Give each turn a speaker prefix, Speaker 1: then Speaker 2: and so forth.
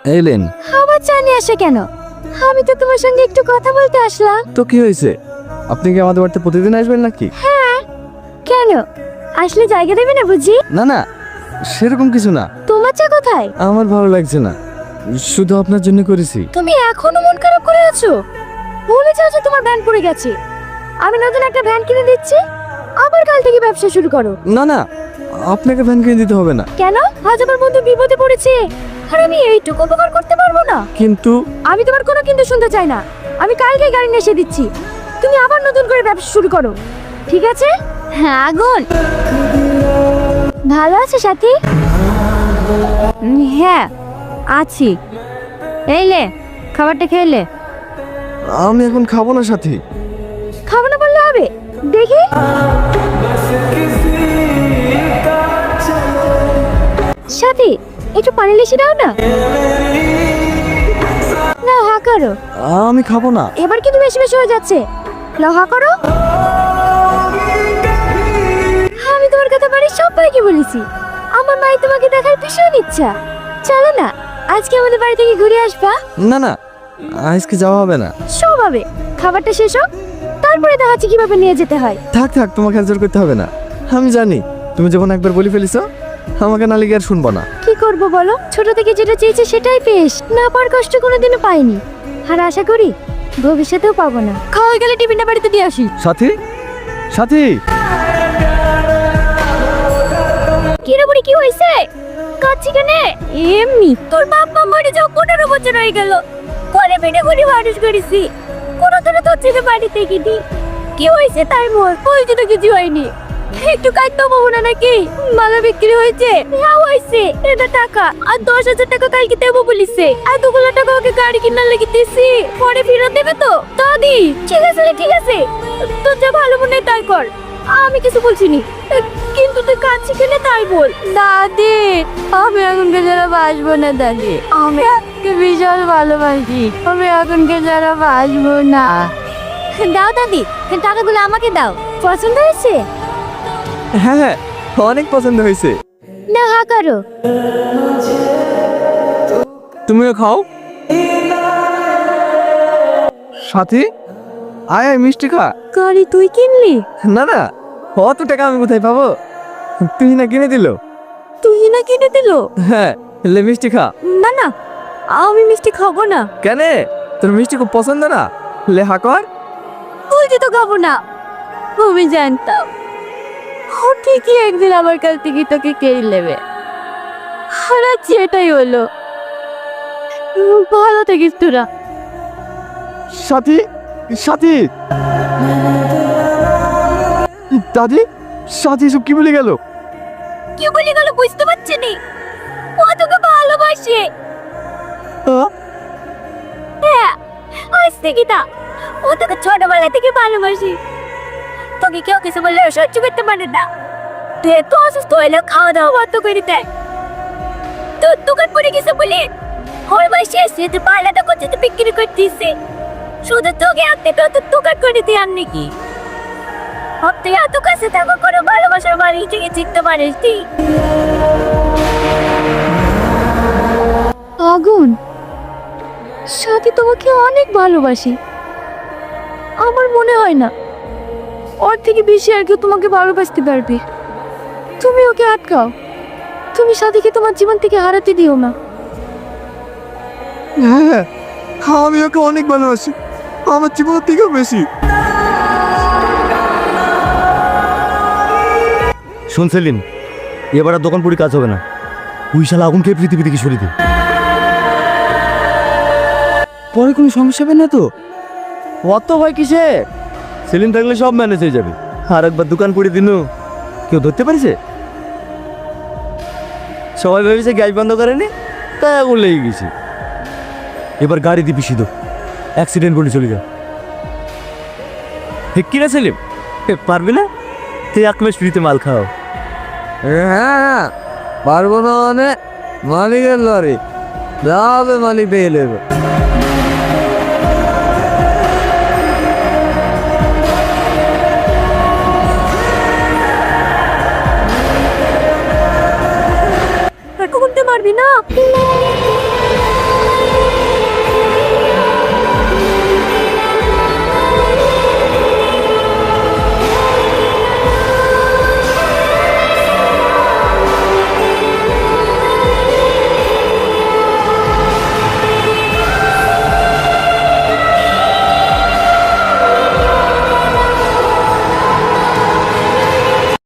Speaker 1: এলেন
Speaker 2: আবার চা নিয়ে আসে কেন? আমি তো তোমার সঙ্গে একটু কথা বলতে আসলাম।
Speaker 1: তো কি হয়েছে? আপনি কি আমাদের বাড়িতে প্রতিদিন আসবেন নাকি?
Speaker 2: হ্যাঁ, কেন? আসলে জায়গা দেবে না বুঝি?
Speaker 1: না না, সেরকম কিছু না।
Speaker 2: তোমার চা কোথায়?
Speaker 1: আমার ভালো লাগছে না, শুধু আপনার জন্য করেছি।
Speaker 2: তুমি এখনো মন খারাপ করে আছো? ভুলে যাও যে তোমার ভ্যান পড়ে গেছে। আমি নতুন একটা ভ্যান কিনে দিচ্ছি, আবার কাল থেকে ব্যবসা শুরু করো।
Speaker 1: না না, আপনাকে ভ্যান কিনে দিতে হবে না।
Speaker 2: কেন? আজ আমার বন্ধু বিপদে পড়েছে আর আমি এইটুকু উপকার করতে পারবো না?
Speaker 1: কিন্তু
Speaker 2: আমি তোমার কোনো কিন্তু শুনতে চাই না। আমি কালকেই গাড়ি নিয়ে এসে দিচ্ছি, তুমি আবার নতুন করে ব্যবসা শুরু করো, ঠিক আছে? হ্যাঁ আগুন, ভালো আছে সাথী? হ্যাঁ আছি। এইলে খাবারটা খেলে।
Speaker 1: আমি এখন খাবো না সাথী।
Speaker 2: খাবো না বললে হবে? দেখি সাথী, একটু পানি লিশে দাও না। না হা করো।
Speaker 1: আমি খাবো না।
Speaker 2: এবার কিন্তু বেশি বেশি হয়ে যাচ্ছে। লহা করো। আমি তোমার কথা বাড়ির সবাইকে বলেছি, আমার মাই তোমাকে দেখার ভীষণ ইচ্ছা। চলো না, আজকে আমাদের বাড়ি থেকে ঘুরে আসবা।
Speaker 1: না না, আজকে যাওয়া হবে না।
Speaker 2: সব হবে, খাবারটা শেষ হোক, তারপরে দেখাচ্ছি কিভাবে নিয়ে যেতে হয়।
Speaker 1: থাক থাক, তোমাকে আর জোর করতে হবে না। আমি জানি তুমি যখন একবার বলে ফেলিছো, আমাকে না লিগে আর শুনবো না।
Speaker 2: কি করব বলো, ছোট থেকে যেটা চেয়েছি সেটাই পেশ, না পার কষ্ট কোনোদিনও পাইনি, আর আশা করি ভবিষ্যতেও পাবো না। খাওয়া গেলে টিফিনটা বাড়িতে দিয়ে আসি।
Speaker 1: সাথী, সাথী।
Speaker 2: কি রে বুড়ি, কি হইছে? কাচ্ছি কেনে? এমনি। তোর বাপ মা মরে যাও 15 বছর হয়ে গেল, করে বেড়ে করে মানুষ করেছি, কোনো দিনও তোর ছেলে বাড়িতে গিনি। কি হয়েছে তাই বল? হয়েছে তো কিছু হয়নি, একটু কাটতে পাবো না নাকি? মালা বিক্রি হয়েছে? হ্যাঁ হয়েছে, এটা টাকা, আর 10,000 টাকা কালকে দেবো বলিছে, আর 2 টাকা ওকে গাড়ি কিনার লেগে দিছি, পরে ফেরত দেবে তো? দাদি ঠিক আছে রে, ঠিক আছে, তোর যা ভালো মনে হয় তাই কর, আমি কিছু বলছি নি, কিন্তু তুই কাঁদছি কেন তাই বল। দাদি আমি এখনকে যারা বাসবো না দাদি, আমি আজকে বিশাল ভালোবাসি, আমি এখনকে যারা বাসবো না। দাও দাদি, টাকাগুলো আমাকে দাও। পছন্দ হয়েছে?
Speaker 1: হ্যাঁ হ্যাঁ, অনেক পছন্দ হয়েছে।
Speaker 2: না হা করো।
Speaker 1: তুমিও খাও। সাথী, আয় আয়, মিষ্টি খা।
Speaker 2: গাড়ি তুই কিনলি?
Speaker 1: না না, অত টাকা আমি কোথায় পাবো? তুই না কিনে দিল।
Speaker 2: তুই না কিনে দিল?
Speaker 1: হ্যাঁ, লে মিষ্টি খা।
Speaker 2: না না, আমি মিষ্টি খাবো না।
Speaker 1: কেন? তোর মিষ্টি খুব পছন্দ না? লে হা কর।
Speaker 2: তুই তো খাবো না, আমি জানতাম ও ঠিকই একদিন আমার কাছ থেকে তোকে কেড়ে নেবে, আর আজ এটাই হলো। ভালো থাকিস তোরা।
Speaker 1: সাথী, সাথী। দাদি, সাথী সব কি বলে গেল?
Speaker 2: কি বলে গেল বুঝতে পারছি নি, ও তোকে ভালোবাসে। হ্যাঁ, আজ থেকে না, ও তোকে ছোটবেলা থেকে ভালোবাসি। তোকে কেউ কিছু বললে সহ্য করতে পারে না, তুই এত অসুস্থ হইলে খাওয়া দাওয়া বন্ধ করে দেয়। তোর দোকান পড়ে গেছে বলে ওর বয়সে এসে তুই পাল্লাটা করছে, তুই বিক্রি করতেছে, শুধু তোকে আনতে তোর দোকান করে দিয়ে আন নাকি? তুই এত কাছে থাকো করে ভালোবাসার বাড়ি থেকে চিনতে পারিস তুই? আগুন, সাথী তোমাকে অনেক ভালোবাসি, আমার মনে হয় না ওর থেকে বেশি আর কেউ তোমাকে ভালোবাসতে পারবে। তুমি ওকে আটকাও, তুমি সাথীকে তোমার জীবন থেকে হারাতে দিও না।
Speaker 1: হ্যাঁ, আমি ওকে অনেক ভালোবাসি, আমার জীবনের থেকেও বেশি।
Speaker 3: শোন সেলিম, এবার আর দোকান পুরি কাজ হবে না, ওই শালা আগুনকে পৃথিবী থেকে সরিয়ে দে।
Speaker 1: পরে কোনো সমস্যা হবে না তো?
Speaker 3: অত ভয় কিসে? সেলিম থাকলে সব ম্যানেজ হয়ে যাবে। আর একবার দোকান পুড়ে দিন, কেউ ধরতে পারছে? সবাই ভেবেছে গ্যাস বন্ধ করেনি, তাই আগুন লেগে গেছে। এবার গাড়ি দিবি সিধো, অ্যাক্সিডেন্ট বলে চলে যা। হে কি রে সেলিম, পারবি না? তুই এক মাস ফ্রিতে মাল খাও।
Speaker 1: হ্যাঁ, পারবো না মানে মালিকের লরি যাবে, মালিক পেয়ে নেবে।
Speaker 2: এখন মারবি না?